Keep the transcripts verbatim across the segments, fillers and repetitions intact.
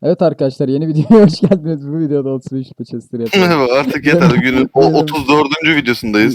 Evet arkadaşlar, yeni videoya hoş geldiniz. Bu videoda otuz beş Chester yapıyoruz. Merhaba, artık yeter. Günün o otuz dördüncü videosundayız.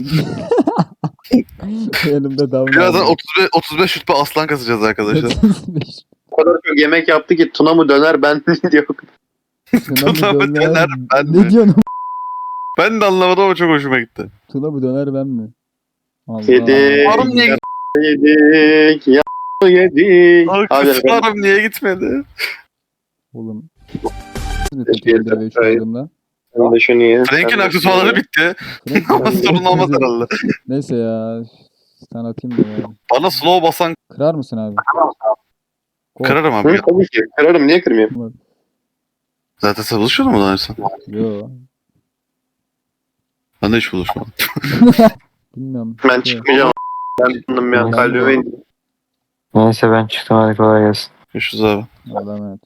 Yanımda Davun Birazdan abi. otuz beş, otuz beş rütbe aslan kasacağız arkadaşlar. otuz beş. O kadar çok yemek yaptı ki Tuna mı döner ben mi diyor. Tuna mı Tuna mı döner? döner, ben Ne mi? diyorsun? Ben de anlamadım ama çok hoşuma gitti. Tuna mı döner ben mi? Allah. Yedik. Harun niye ya- Yedik. Ya yedik. Hadi efendim. Harun niye gitmedi? Oğlum. Teşekkür ve şu adımla. Sen de şunu ye. Frank'in sen de aksesuarları şunu ye. bitti. Frank- Ama sorun olmaz herhalde. Neyse ya. Sen atayım da ya. Bana slow basan Kırar mısın abi? Gol. kırarım abi. Hı, tabii ki. Kırarım. Niye kırmayayım? Zaten sen buluşuyordun mu daha önce? Yo. Ben de hiç buluşmadım. Bilmiyorum. Ben Şey, çıkmayacağım. Ben bunun bir an kalbime indim. Neyse ben çıktım, hadi kolay gelsin. Görüşürüz abi. Adam evet.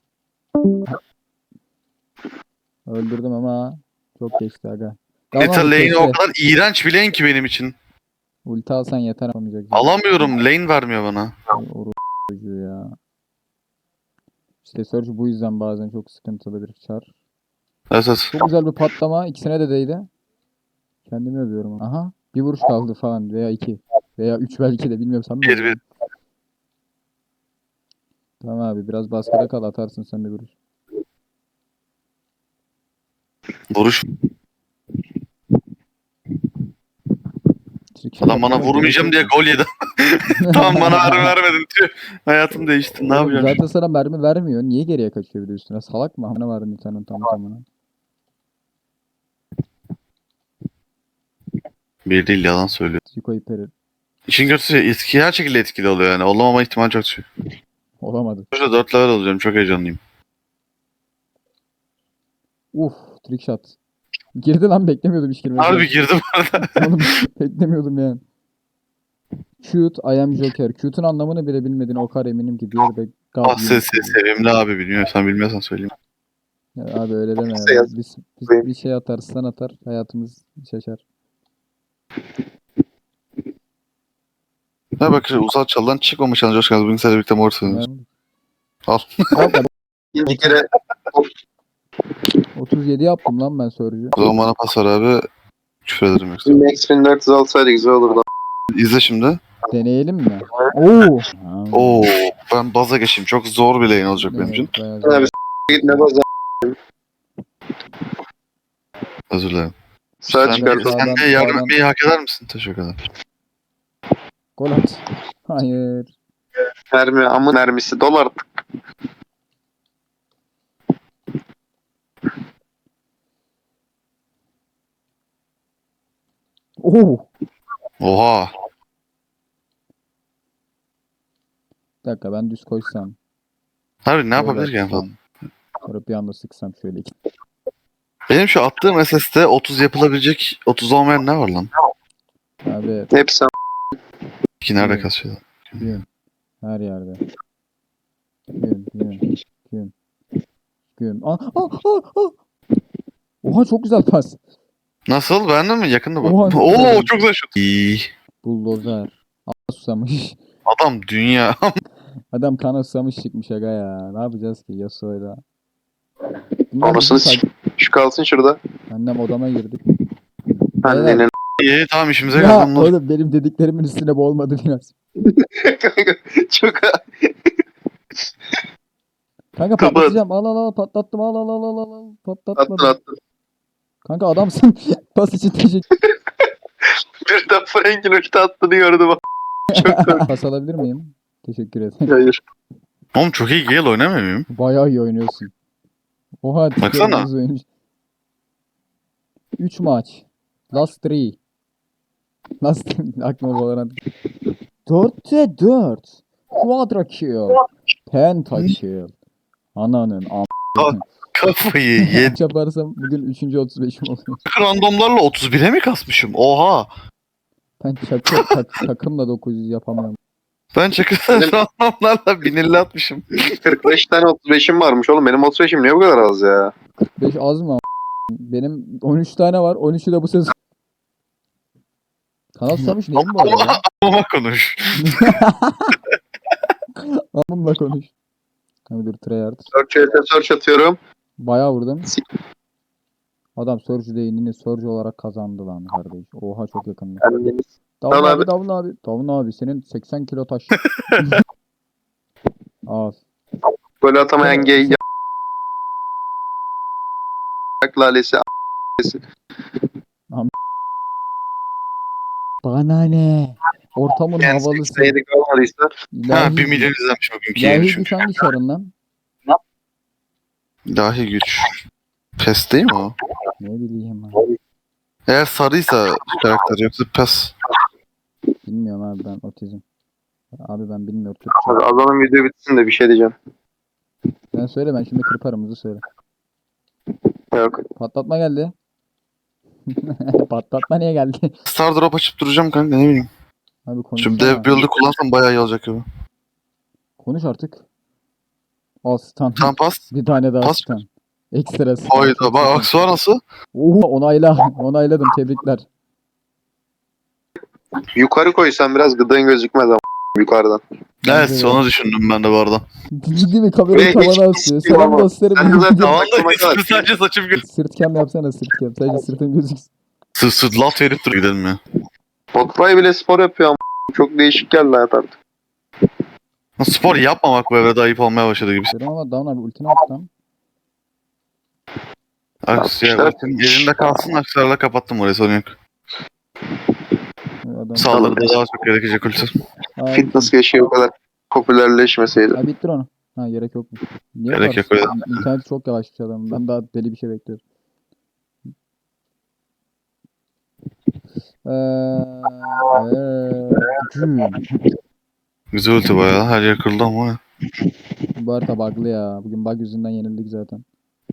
Öldürdüm ama çok geçti aga. Tamam, Yeter lane keşke. o kadar iğrenç bir lane ki benim için. Ulti alsan yeter yapamayacak. Alamıyorum. Lane vermiyor bana. Oru çocuğu ya. İşte Surge bu yüzden bazen çok sıkıntılı bir çar. Evet evet. Çok güzel bir patlama. İkisine de değdi. Kendimi övüyorum. Aha. Bir vuruş kaldı falan. Veya iki. Veya üç belki de. Bilmiyorum sen mi? Bir, bir. Tamam abi. Biraz baskıda kal. Atarsın sen bir vuruş. Vuruş. Trick shot Adam bana atmana vurmayacağım gerek diye yok. gol yedi. Tamam bana mermi vermedin. Tüh. Hayatım değişti. Ne Oğlum, yapacağım? zaten sana mermi vermiyor. Niye geriye kaçıyor bir de üstüne? Salak mı? Ne var senin tam tamına? Bir değil yalan söylüyor. Trico iperi. İşin kötüsü etki her şekilde etkili oluyor yani. Olamama ihtimali çok düşük. Olamadı. Şurada dört level olacağım. Çok heyecanlıyım. Uf. Trick shot. Girdi lan, beklemiyordum hiç girmesini. Harbi girdim arada. Oğlum beklemiyordum yani. Cute, I am Joker. Cute'un anlamını bile bilmediğine o kadar eminim ki. Diğeri de God Ah ses Unity. ses sevimli abi bilmiyor. Sen bilmiyorsan söyleyeyim. Ya abi öyle deme Neyse ya. yaz- Biz, biz bir şey atarsan atar. Hayatımız şaşar. Ne bak Uzat Çal'dan çıkmamış an Coşkan. Bugün seninle birlikte mor söylüyoruz. Al. Bak, İkinci kere otuz yedi yaptım lan ben Surge'ü. O zaman bana pas ver abi. Küfür ederim yoksa. Max bin dört yüz alsaydı güzel olurdu. İzle şimdi. Deneyelim mi? Oo. Ha. Oo, ben baza geçeyim. Çok zor bir lane olacak benim Evet, için. bayağı Abi zor. git ne bazen. Özür dilerim. Sağ Sen, çıkardım. sen de Sağdan- yardım sağdan- etmeyi hak eder misin? Teşekkür ederim. Gol at. Hayır. Mermi amın mermisi dolar. Oo. Oha. Bir dakika, ben düz koşsam. Harbi ne Gol yapabilir ki en atsam. fazla? Sonra bir anda sıksam şöyle iki. Benim şu attığım S S'te otuz yapılabilecek otuz olmayan ne var lan? Abi Hepsi İki nerede Evet. kasıyor? gün. Her yerde. Gün, gün, gün. Gün. Aa, aa, aa, aa. Oha çok güzel pas. Nasıl? Beğendin mi? Yakında bak. Oha, çok Oo güzel. çok güzel şut. İyi. Bulldozer. Aa, susamış. Adam dünya. Adam kana susamış çıkmış aga ya. Ne yapacağız ki Yasuo'yla? Bunlar Anasını bizim s*** şu kalsın şurada. Annem odama girdi. Annenin. İyi tamam işimize Ya geldi onlar. oğlum benim dediklerimin üstüne boğulmadı biraz. Kanka çok Kanka Kapat. patlatacağım. Al al al patlattım. Al al al al al. al. Patlatmadım. attın attın. Kanka adamsın. Pas için teşekkür. Bir de Frank'in ulti attığını gördüm. Çok korktum. Pas alabilir miyim? Teşekkür ederim. Hayır. Oğlum çok iyi Gale oynamıyor muyum? Bayağı iyi oynuyorsun. Oha. Baksana. üç maç. Last three. Last aklıma Valorant. dörtte dört. Quadra kill. Penta kill. Ananın am. Kafayı yedi. Yaparsam bugün üçüncü otuz beşim oluyor. Randomlarla otuz bire mi kasmışım? Oha. Ben çakı, tak, takımla dokuz yüz yapamıyorum. Ben çakırdan randomlarla bin elli atmışım. kırk beş tane otuz beşim varmış oğlum. Benim otuz beşim niye bu kadar az ya? beş az mı? am- Benim on üç tane var. on üçü de bu sezon. Kanal susamış neyim bu arada ya? Ama konuş. Amımla konuş. Abi dur tryhard. Search E'de search atıyorum. Bayağı vurdum. Sik. Adam Surge değinini Surge olarak kazandı lan kardeş. Oha çok yakındı. Kendiniz. Davun Tamam abi, abi. Davun abi. Davun abi senin seksen kilo taş. Az. Gol atamayan gay. Yak lalesi. Bana ne? Ortamın Yani havalısı. seksen yedi kalmadıysa. Ha İlahi, bir milyon izlenmiş bugünkü ilahi yayın güç çünkü. hangi çarın lan? İlahi güç. Pes değil mi o? Ne bileyim ben. Eğer sarıysa karakter yoksa pes. Bilmiyorum abi ben otizm. Abi ben bilmiyorum Abi Türkçe. adamın video bitsin de bir şey diyeceğim. Ben söyle ben şimdi kırparım hızlı söyle. Yok. Patlatma geldi. Patlatma niye geldi? Star drop açıp duracağım kanka ne bileyim. Abi konuş. Şimdi dev build'ı kullansam bayağı iyi olacak gibi. Konuş artık. Al stun. Tamam pas. Bir tane daha Pas. stun. Ekstra stun. Hayda Çok bak stun. aksuar nasıl? Oha onayla. Onayladım tebrikler. Yukarı koysan biraz gıdığın gözükmez ama yukarıdan. Evet Bence de. onu düşündüm ben de bu arada. Ciddi mi kamerayı Ve hiç- tavana hiç asıyor. değil Selam ama. dostlarım. Sen de zaten Sırt Tamam da ismi sadece saçım gül. cam yapsana sırt cam. Sadece sırtın gözüksün. Sırt sırt laf verip dur gidelim ya. Botfly bile spor yapıyor ama çok değişik geldi hayat artık. Spor yapmamak bu evrede ayıp olmaya başladı gibi. Dedim ama Down abi ultini at lan. Aks ya Yapmışlar. ultim elinde kalsın aksarla kapattım orayı sorun yok. Adam. Saldırıda daha çok gerekecek ulti. Aa, Fitness keşke o kadar popülerleşmeseydi. Ha bittir onu. Ha gerek yok mu? Niye Gerek var? yok, öyle. İnternet çok yavaşmış adamın. Ben daha deli bir şey bekliyorum. Eee eee, Güzel ulti bayağı her yer kırıldı ama ya. Bu arada bug'lı ya. Bugün bug yüzünden yenildik zaten.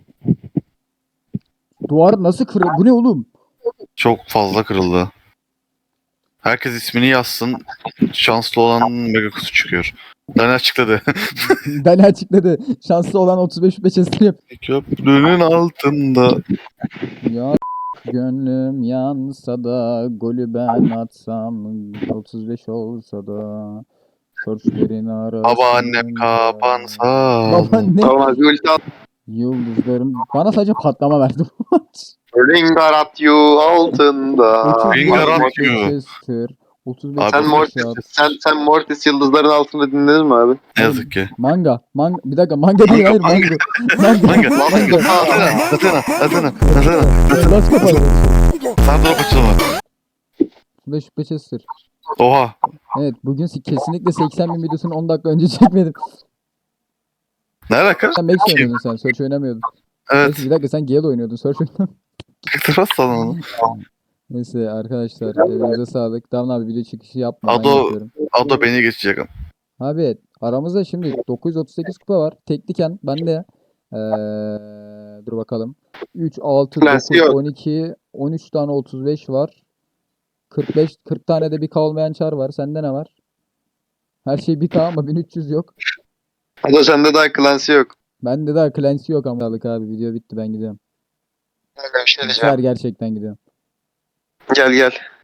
Duvar nasıl kırıldı? Bu ne oğlum? Çok fazla kırıldı. Herkes ismini yazsın. Şanslı olan mega kutu çıkıyor. Dani açıkladı. Dali açıkladı. Şanslı olan otuz beş beçesini yap. Köprünün altında. Ya gönlüm yansa da golü ben atsam otuz beş olsa da Searchlerin arasında. Babaannem kapansa. Babaannem Tamam abi ulti at. yıldızlarım bana sadece patlama verdi. Ringarat you altında. Ringarat otuz beş you. Manchester, otuz beş Abi, Sen Mortis, Shot. sen, sen Mortis yıldızların altında dinledin mi abi? Ne yazık ki. Manga. Manga. Bir dakika manga değil hayır Manga, manga. Manga. Manga. Athena. Athena. Athena. Athena. Last kapalı. Sen drop açılma. otuz beş Manchester. Oha. Evet bugün si- kesinlikle seksen bin videosunu on dakika önce çekmedim. Ne alaka? Sen Max oynuyordun sen. Search oynamıyordun. Evet. Neyse bir dakika sen Gale oynuyordun. Search oynamıyordun. Kıktırmaz sana onu. Neyse arkadaşlar elinize sağlık. Damla abi video çıkışı yapma. ben Ado- yapıyorum. Ado beni geçecek. Abi aramızda şimdi dokuz yüz otuz sekiz kupa var. Tekliken ben de eee, dur bakalım. üç, altı, Prensi dokuz, yok. on iki, on üç tane otuz beş var. kırk beş, kırk tane de bir K olmayan çar var. Sende ne var? Her şey bir K ama bin üç yüz yok. Ado sende daha Clancy yok. Bende daha Clancy yok ama sağlık abi. Video bitti ben gidiyorum. Kanka bir şey Güzel gerçekten gidiyorum. Gel gel.